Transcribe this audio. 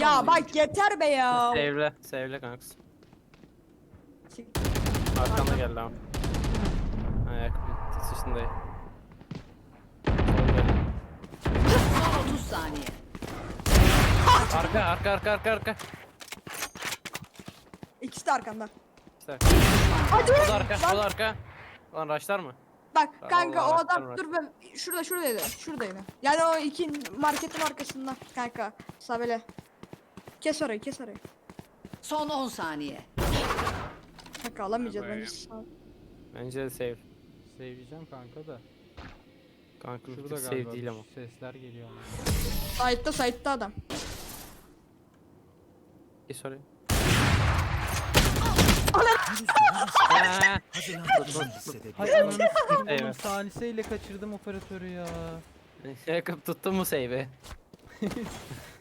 Ya bak yeter be ya. Sevle. Sevle kanks. Çık. Arkanda geldi ama. Ayak sıçtındayım. Sol gel. Son 30 saniye. Arka. İkisi de arkanda. İşte. Hadi. O da arka. Lan, O da arka. Lan raşlar mı? bak Tamam, kanka o Allah adam Allah. dur ben şuradaydı. Şuradaydı. Yani o iki marketin arkasında kanka. Sabele. Kes orayı. Son 10 saniye. Kanka alamayacağız Böyle. bence. Bence de save. Seveceğim kanka da. Kanka bir Şurada tık galiba save değil ama. sesler geliyor ama. Side'da adam. Geç oraya. Hay ananı sikeyim oğlum, Evet. saliseyle kaçırdım operatörü ya. Yakıp tuttun mu save'i?